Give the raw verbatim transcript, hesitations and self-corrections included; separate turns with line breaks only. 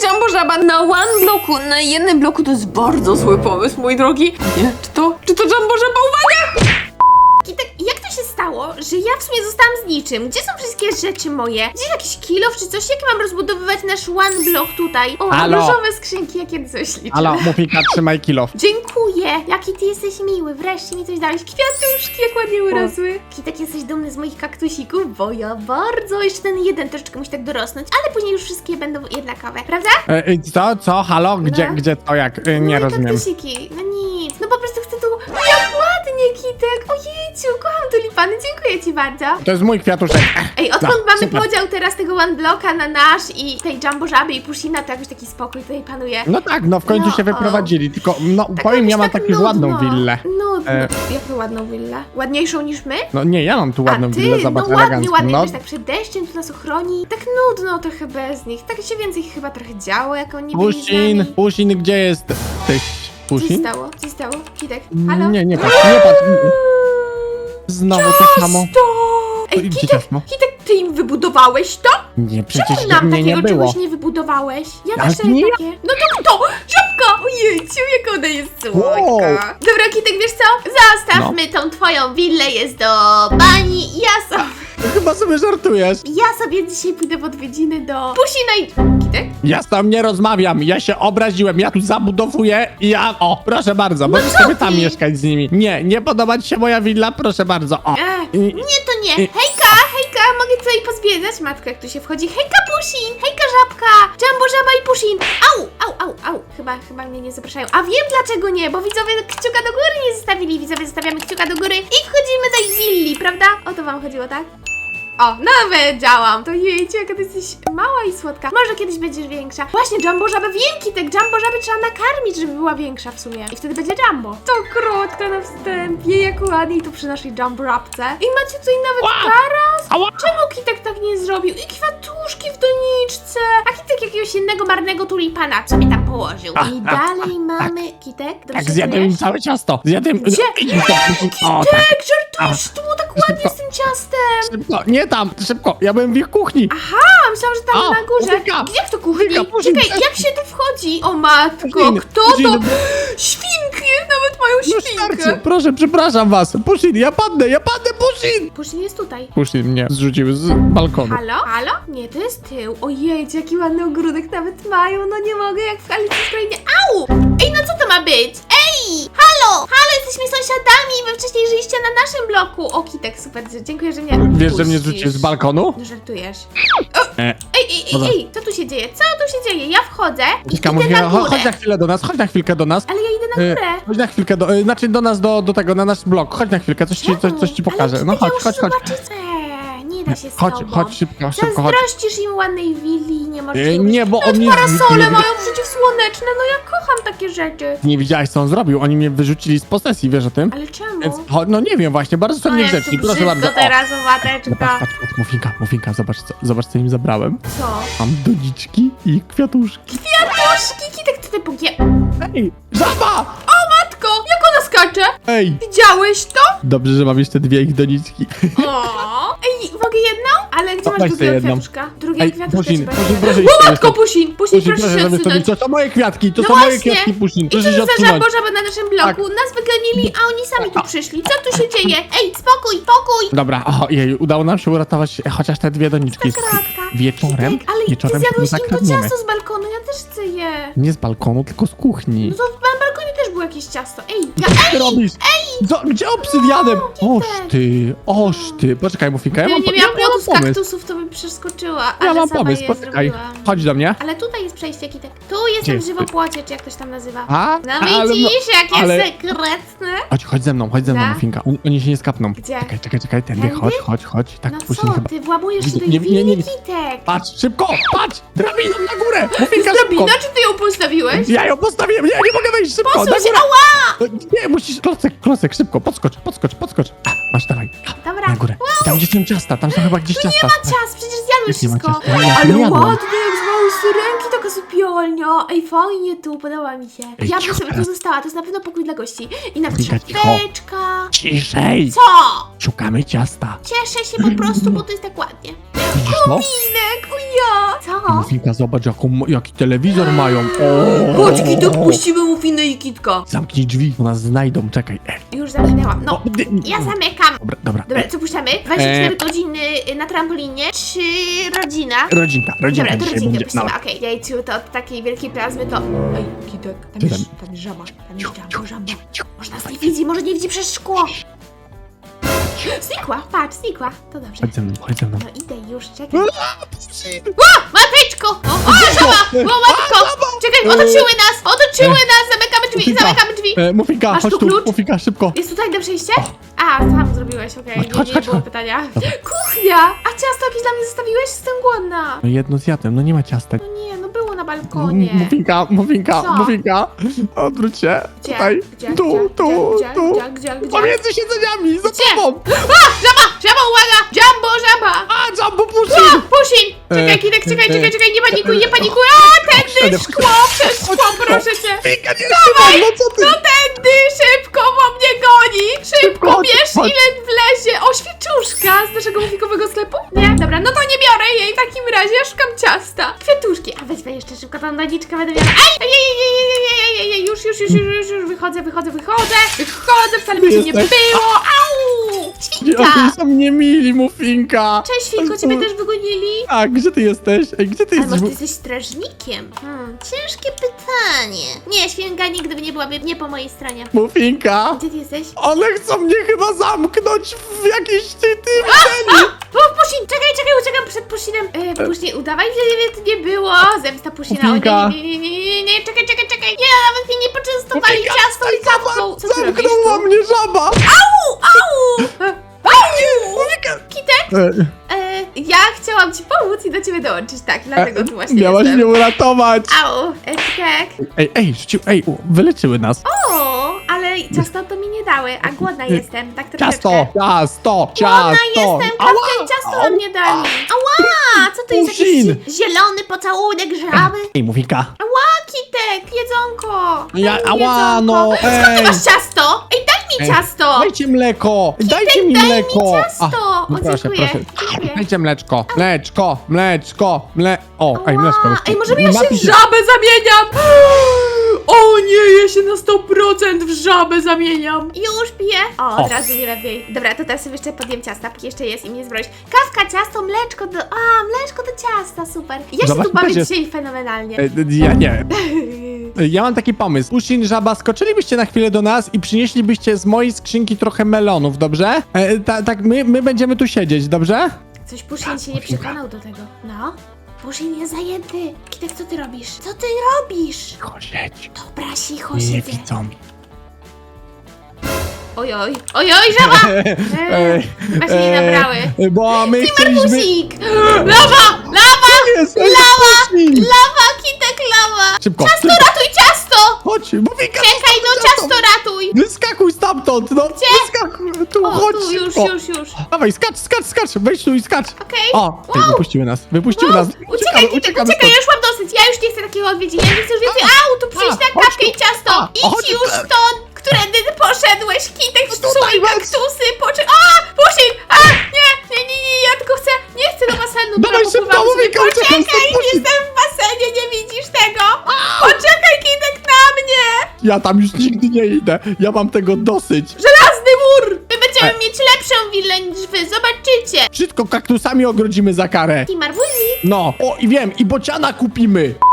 Jumbo Żaba na one bloku, na jednym bloku to jest bardzo zły pomysł, mój drogi. Nie, czy to, czy to Jumbo Żaba? Uwaga!
Kitek, jak to się stało, że ja w sumie zostałam z niczym? Gdzie są wszystkie rzeczy moje? Gdzie jakiś kilof czy coś? Jak mam rozbudowywać nasz one block tutaj? O,
Halo?
różowe skrzynki, jakie coś liczę.
Halo, Mufinka, trzymaj kilof.
Dziękuję! Jaki ty jesteś miły, wreszcie mi coś dałeś. Kwiatuszki, jak ładnie urosły. Kitek, jesteś dumny z moich kaktusików? Bo ja bardzo. Jeszcze ten jeden troszeczkę musi tak dorosnąć, ale później już wszystkie będą jednakowe, prawda?
E, e, co, co, halo, gdzie,
No.
gdzie to, jak? E, nie
Moje
rozumiem.
kaktusiki. No nic, no po prostu chcę tu... Jak ładnie, Kitek! Ojejciu, kocham tulipany, dziękuję ci bardzo.
To jest mój kwiatuszek.
Ej, odkąd
No,
mamy
super.
podział teraz tego one blocka na nasz i tej Jumbo Żaby i Pushina, to jakoś taki spokój tutaj panuje.
No tak, no w końcu
No,
się
o.
wyprowadzili, tylko, no
Tak
powiem,
jakoś
ja mam
tak
taką ładną
nudno.
willę.
Nudno.
E.
Jaką ładną willę? Ładniejszą niż my?
No nie, ja mam tu ładną
A ty,
willę, zobacz,
no ładnie,
elegancką.
ładnie,
No,
wiesz, tak przed deszczem tu nas ochroni. Tak nudno trochę bez nich. Tak się więcej chyba trochę działo, jak oni byli z
Pusin,
nami.
Pusin, gdzie jest? Ty,
Co się
Pusin?
stało? Co się stało? Kitek, halo?
Nie, nie patrz, nie patrz. Znowu to samo.
Stop! Ej,
Idzie
Kitek,
ciasno.
Kitek, ty im wybudowałeś to?
Nie, przecież
Czemu nam
mnie nie
takiego
było.
czegoś nie wybudowałeś? Ja
Ale
też
to
chcę
nie ja.
takie. No to kto? Żabka! Ojejciu, jak ona jest słodka.
Wow.
Dobra, Kitek, wiesz co? Zostawmy tą twoją willę, jest do bani. Ja sobie,
Chyba sobie żartujesz.
ja sobie dzisiaj pójdę w odwiedziny do Pusina i... Kitek?
Ja z tam nie rozmawiam, ja się obraziłem, ja tu zabudowuję i ja... O, proszę bardzo,
No
możesz
co
sobie tam
ty?
mieszkać z nimi. Nie, nie podoba ci się moja willa? Proszę bardzo, o.
Ech,
I-
nie, to nie.
I-
Hejka, hejka, mogę tutaj pozwiedzać? Matko, jak tu się wchodzi. Hejka, Pusin! Hejka, Żabka! Jumbo, Żaba i Pusin! Au, au, au, au. Chyba, chyba mnie nie zapraszają. A wiem dlaczego nie, bo widzowie kciuka do góry nie zostawili. Widzowie zostawiamy kciuka do góry i wchodzimy do ich willi, prawda? O to wam chodziło, tak? O, nawet działam. To jejcie, jaka ty jesteś mała i słodka. Może kiedyś będziesz większa. Właśnie, Jumbo Żabę wiem, Kitek. Jumbo Żabę trzeba nakarmić, żeby była większa w sumie. I wtedy będzie Jumbo. To krótko na wstępie, jak ładniej tu przy naszej Jumbo Żabce. I macie tutaj nawet
Ła!
taras.
Ała!
Czemu Kitek tak nie zrobił? I kwiatuszki w doniczce. A Kitek jakiegoś innego marnego tulipana sobie tam położył.
A,
I
a,
dalej mamy... Kitek, dobrze
Tak,
się
zjadłem im
czujesz?
całe ciasto. Zjadłem...
Gdzie?
Idź mi to, o, tak.
Kitek, żartujesz, to było tak ładnie z tym ciastem.
Szybko, nie tam, szybko, ja byłem w ich kuchni.
Aha, myślałam, że tam
O,
na górze.
Mufinka!
Gdzie w to kuchni?
Mufinka, Pusin,
Czekaj,
cześć.
jak się tu wchodzi? O matko,
Pusin,
kto
Pusin.
to? Świnki, nawet mają
No
świnkę.
starczy, proszę, przepraszam was. Pusin, ja padnę, ja padnę, Pusin!
Pusin jest tutaj.
Pusin mnie zrzucił z balkonu.
Halo? Halo? Nie, to jest tył. Ojej, jaki ładny ogródek nawet mają. No nie mogę, jak w Alicji w Krainie. Au! Ej, no co to ma być? Ej! Halo! Halo, jesteśmy sąsiadami. Wy wcześniej żyliście na naszym bloku. O, Kitek, super, dziękuję, że mnie
Wiesz, że mnie
puścisz.
zrzucił z balkonu?
No żartujesz.
E,
Ej, ej, ej,
Dobra.
ej, co tu się dzieje? Co tu się dzieje? Ja wchodzę i
Mufinka,
idę
Mufinka,
na
cho-
górę.
chodź na chwilę do nas, chodź na chwilkę do nas.
Ale ja idę na
E,
górę.
Chodź na chwilkę, do, e, znaczy do nas, do, do tego, na nasz blok. Chodź na chwilkę, coś ci, coś, coś ci pokażę.
Ale
No
Kitek,
chodź,
ja
chodź,
już
chodź.
zobaczyć chcę. Nie da się z
Chodź,
tobą.
chodź szybko, szybko, chodź.
Zazdrościsz im ładnej willi, nie możesz
E,
jej
nie,
użyć.
bo
Nawet
on mnie
parasole
zrzucił.
mają przeciwsłoneczne, no ja kocham takie rzeczy.
Nie widziałeś, co on zrobił? Oni mnie wyrzucili z posesji, wiesz o tym?
Ale czemu?
Więc, cho- no nie wiem właśnie, bardzo są
No jest
niegrzeczni,
tu
proszę
brzydko
bardzo. O,
teraz,
no
owateczka.
patrz, patrz, patrz, Mufinka, Mufinka, zobacz co, zobacz co im zabrałem.
Co?
Mam doniczki i kwiatuszki.
Kwiatuszki, Kitek, ty pogie...
Ej, żaba!
Matko, jak ona skacze?
Ej,
Widziałeś to?
dobrze, że mam jeszcze dwie ich doniczki.
O. Ej, mogę jedną? Ale gdzie
No,
masz
weź
drugiego
sobie jedną.
kwiatuszka? Drugiego
Ej,
kwiatuszka
Pusin,
trzeba
Pusin,
się
proszę
dać.
iść
O,
sobie
matko,
stąd.
Pusin, Pusin,
Pusin,
proszę się
żeby
odsunąć.
sobie, to są moje kwiatki, to
No
są moje
właśnie.
kwiatki, Pusin,
I co
proszę
to
się
za
odsunąć.
żabożaby na naszym bloku? Nas wygonili, a oni sami tu przyszli. Co tu się dzieje? Ej, spokój, pokój!
Dobra, o, jej, udało nam się uratować chociaż te dwie doniczki.
Kratka.
Wieczorem,
Kitek, ale ty
wieczorem się
zjadłeś im to
zakradniemy.
ciasto z balkonu, ja też chcę je.
Nie z balkonu, tylko z kuchni.
No to na balkonie też było jakieś ciasto. Ej, ja,
Co ty
ej!
robisz? Co, gdzie obsydianem? Oż
Kitek.
ty, oż ty. Poczekaj, Mufinka, ja
Gdybym
mam,
nie
ja,
miała
ja mam
płotu z
pomysł.
kaktusów, to bym przeskoczyła,
Ja
ale
mam
sama
pomysł,
je
poczekaj.
zrobiłam.
Chodź do mnie.
Ale tutaj jest przejście, Kitek. Tu
Gdzie
jestem w
jest?
żywopłocie, czy jak ktoś tam nazywa.
A?
No
Ale
widzisz, jakie
ale-
sekretne.
Chodź, chodź ze mną, chodź ze mną,
Da?
Mufinka. Oni, oni się nie skapną.
Gdzie?
Czekaj, czekaj, czekaj, tędy,
Tędy?
chodź, chodź, chodź. Tak,
No
Pusin
co,
chyba.
ty włamujesz się do
Nie,
ich
nie, nie,
willi,
nie.
Kitek?
Patrz, szybko, patrz! Drabiną na górę! Mufinka,
Drabina,
szybko!
czy ty ją postawiłeś?
Ja ją postawiłem, nie, nie mogę wejść, szybko, na
Posuń się,
górę!
ała!
Nie, musisz, klocek, klocek, szybko, podskocz, podskocz, podskocz. A, masz, dawaj,
Dobra.
na górę. I tam gdzie są ciasta, tam są chyba gdzieś ciasta.
Nie ma ciast, przecież zjadłeś
Nie ma
wszystko.
ciasta, ja
Ale
nie jadłem.
ładnie, jak z małej syrenki, taka sypialnia. Ej, fajnie tu, podoba mi się.
Ej,
Ja bym
cicho
sobie tu
teraz.
została, to jest na pewno pokój dla gości. I nawet
Wika, cicho.
szafeczka.
Ciszej!
Co?
Szukamy ciasta.
Cieszę się po prostu, bo to jest tak ładnie.
Widzisz to?
Minek, o ja! Co? No.
Mufinka, zobacz jaką, jaki telewizor mają. O!
Chodź, Kitek, puścimy Mufinę i Kitka.
Zamknij drzwi, bo nas znajdą, czekaj. Ej.
Już zamknęłam. No,
O, dy-
ja zamykam.
Dobra, dobra.
Dobra,
Ej,
co puszczamy? dwadzieścia cztery
E.
godziny na trampolinie, czy rodzina?
rodzinka, rodzinka
Dobra, to
dzisiaj
rodzinkę
będzie.
puścimy,
No.
okej. Jajciu, to od takiej wielkiej plazmy to...
Ej, Kitek, tam
Co
jest,
tam?
tam jest żaba, tam jest Jumbo Jumbo.
Może nas nie widzi, może nie widzi przez szkło. Znikła, patrz, znikła. To dobrze.
Chodź ze mną, chodź ze mną.
No idę już, czekaj. Mateczko! O, o żaba! O, matko! Czekaj, otoczyły nas! Otoczyły nas! Zamykamy drzwi,
Mufinka.
zamykamy drzwi!
E, Mufinka,
Masz
chodź
tu
tu,
klucz?
Mufinka, szybko.
Jest tutaj do przejścia? A, tam zrobiłeś, okej,
Chodź,
nie,
chodź,
nie
chodź,
było
chodź.
pytania. Kuchnia! A ciasto jakieś dla mnie zostawiłeś? Jestem głodna.
No jedno zjadłem, no nie ma ciastek.
No nie, no było na balkonie.
M- Mufinka, Mufinka,
Co?
Mufinka. Odwróć się.
Gdzie?
Tutaj.
Gdzie?
Tu,
Gdzie?
tu,
Gdzie?
tu.
Gdzie? Gdzie? Gdzie?
Pomiędzy siedzeniami, za
Gdzie?
tobą.
A! Żaba! Żaba, uwaga! Jumbo, żaba!
A, Jumbo
A,
Pusin.
Pusin! Czekaj,
E,
Kitek, czekaj,
e,
czekaj, czekaj, nie panikuj, nie
e,
panikuj! A, tędy, szkło, przez szkło, proszę cię!
Mufinka, nie trzymaj, no co ty?
No tędy, szybko, bo mnie goni! Szybko,
Chodź,
bierz
chodź.
ile wlezie! O, świeczuszka z naszego mufikowego sklepu? Nie? Dobra, no to nie biorę jej w takim razie, ja szukam ciasta. Kwiatuszki, a wezmę jeszcze szybko tą doniczkę, będę miała... Ej, ej, ej, ej, ej, ej, ej, ej, ej, już, już, już, już, już, już, wychodzę, wychodzę, wychodzę, wychodzę, wcale by się nie
Jesteś?
było, au! Świnka!
Oni są niemili, Mufinka.
Cześć, Świnko, ciebie też wygonili?
A, gdzie ty jesteś? Ej, gdzie ty
Ale
jesteś?
może ty jesteś strażnikiem? Hmm, ciężkie pytanie. Nie, Świnka nigdy by nie byłaby nie po mojej stronie.
Mufinka?
Gdzie ty jesteś?
One chcą mnie chyba zamknąć w jakiejś ty, ty
A! O, Pusin! Czekaj, czekaj, uciekam przed Pusinem. E, Pusin, udawaj, że nie, to nie było. Zemsta Pusina. O,
Mufinka.
nie, nie, nie, nie, nie, nie, czekaj, czekaj, czekaj. Nie, nawet mnie nie poczęstowali
Mufinka,
ciastą i kawką. Co ty robisz
zamknęła
tu?
mnie żaba.
Au, au! E, Au!
Mufinka.
Kitek,
E,
e, ja chciałam ci pomóc i do ciebie dołączyć, tak, dlatego tu właśnie
Miałaś
jestem.
mnie uratować.
Au, e, Kitek.
Ej, ej, rzucił, ej, u, wyleczyły nas.
O, ale ciasto to mi nie dały, a głodna jestem, tak troszeczkę.
Ciasto, ciasto,
Głodna
ciasto.
jestem, kawkę i ciasto nam nie dali. Ała, co to jest
Pusin.
jakiś zielony pocałunek żaby?
Ej, Mufinka.
Ała, Kitek, jedzonko. Daj
Ja,
mi
ała,
jedzonko.
no,
Skąd ty
ej.
masz ciasto? Ej, daj mi
Ej,
ciasto.
Dajcie mleko, dajcie mi
daj mi
mleko.
ciasto.
no
O,
proszę,
dziękuję,
proszę.
dziękuję.
Dajcie mleczko, mleczko, mleczko, mle... O, ej,
Ała,
mleczko jeszcze.
ej, możemy ja się
Napij
w żabę zamieniam.
O nie, ja się na sto procent w żabę zamieniam.
Już piję. O,
O.
od razu mi lepiej. Dobra, to teraz sobie jeszcze podjem ciasta, póki jeszcze jest i mnie zbroić. Kawka, ciasto, mleczko do... A, mleczko do ciasta, super. Ja się
Zobacz,
tu bawię
też jest-
dzisiaj fenomenalnie.
E, Ja nie. Ja mam taki pomysł. Pusin, żaba, skoczylibyście na chwilę do nas i przynieślibyście z mojej skrzynki trochę melonów, dobrze? E, ta, tak, my, my będziemy tu siedzieć, dobrze?
Coś Pusin się nie przekonał do tego. No? Pusin jest zajęty. Kitek, co ty robisz? Co ty robisz?
Cicho siedź.
Dobra, cicho
Nie
siedzę.
widzą.
Ojoj, ojoj, żaba! Eee, chyba się nie nabrały.
e, Bo my chcieliśmy...
Pusik! Lawa! Lawa!
Jest,
Lawa!
Pusin!
Lawa, Kitek, lawa!
Szybko,
Ciasto,
szybko.
ratuj ciasto!
Chodź, Mufinka!
Czekaj, no ciasto ratuj!
Wyskakuj stamtąd, no!
Gdzie?
Wyskakuj, tu,
O,
chodź
tu, już,
szybko.
już, już.
Dawaj, skacz, skacz, skacz, wejdź tu i skacz.
Okej.
O, ty,
Wow.
wypuściły nas, wypuściły
Wow.
nas.
Uciekaj, Kitek,
uciekamy
uciekaj, ja
stąd.
już mam dosyć. Ja już nie chcę takiego odwiedzin. Ja nie chcę już więcej.
A,
Au, tu przyjść
a,
na
chodź
kawkę
tu.
i ciasto.
A,
Idź
chodź
już
tu.
stąd, którędy ty poszedłeś, Kitek, w
Tutaj
swoje
weź.
kaktusy, poczy... A, Pusin! A, nie, nie, nie, nie, ja tylko chcę, nie chcę do basenu.
Dawaj
dobra,
szybko,
popływam sobie.
Mufinka, uciekaj
Poczekaj,
stąd, Pusin.
jestem w basenie, nie widzisz tego? Poczekaj, Kitek, na mnie!
Ja tam już nigdy nie idę, ja mam tego dosyć.
Żelazny mur! My będziemy
E.
mieć lepszą willę niż wy, zobaczycie!
Wszystko kaktusami ogrodzimy za karę.
I marbuzi.
No, o i wiem, i bociana kupimy.